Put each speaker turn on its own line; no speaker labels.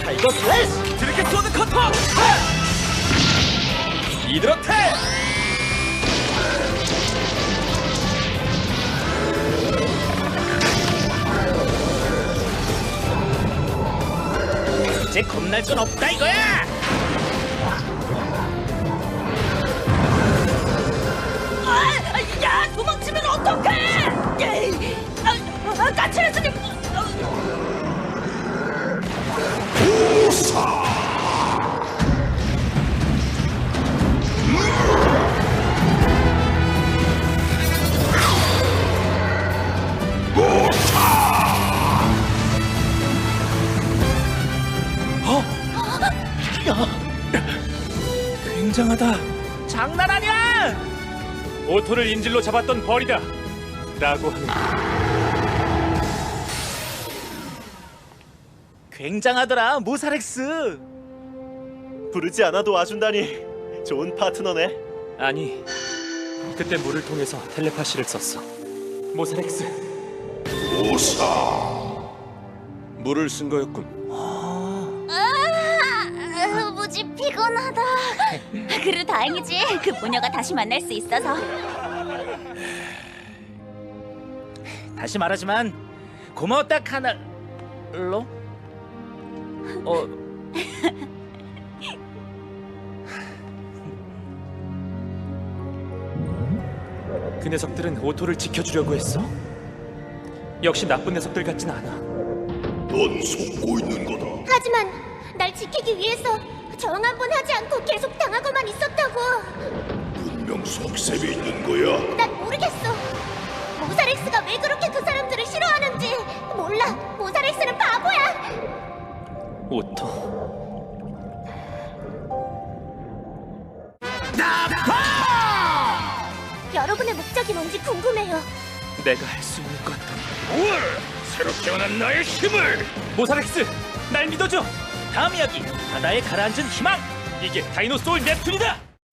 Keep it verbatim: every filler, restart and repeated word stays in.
타이거 슬래시!
드래곤 소드 커터! 이드로테! 이제 겁날 건 없다 이거야!
아, 야, 도망치면 어떡해! 에이, 아, 아, 까칠해서님.
굉장하다. 장난 아니야! 오토를 인질로 잡았던 벌이다. 라고 하는. 굉장하더라, 모사렉스.
부르지 않아도 와준다니 좋은 파트너네.
아니, 그때 물을 통해서 텔레파시를 썼어. 모사렉스.
물을 쓴 거였군.
아, 무지 피곤하다. 그래도 다행이지. 그 모녀가 다시 만날 수 있어서.
다시 말하지만 고마웠다 카날로. 어. 그 녀석들은 오토를 지켜주려고 했어. 역시 나쁜 녀석들 같진 않아.
넌 속고 있는 거다.
하지만 날 지키기 위해서 저항 한 번 하지 않고 계속 당하고만 있었다고.
분명 속셈이 있는 거야.
난 모르겠어. 모사렉스가 왜 그렇게 그 사람들을 싫어하는지 몰라. 모사렉스는 바보야.
오토.
여러분의 목적이 뭔지 궁금해요.
내가 할 수 있는 것.
우와! 새로 태어난 나의 힘을!
모사렉스, 날 믿어줘. 다음 이야기, 바다에 가라앉은 희망. 이게 다이노소울 넵툰이다.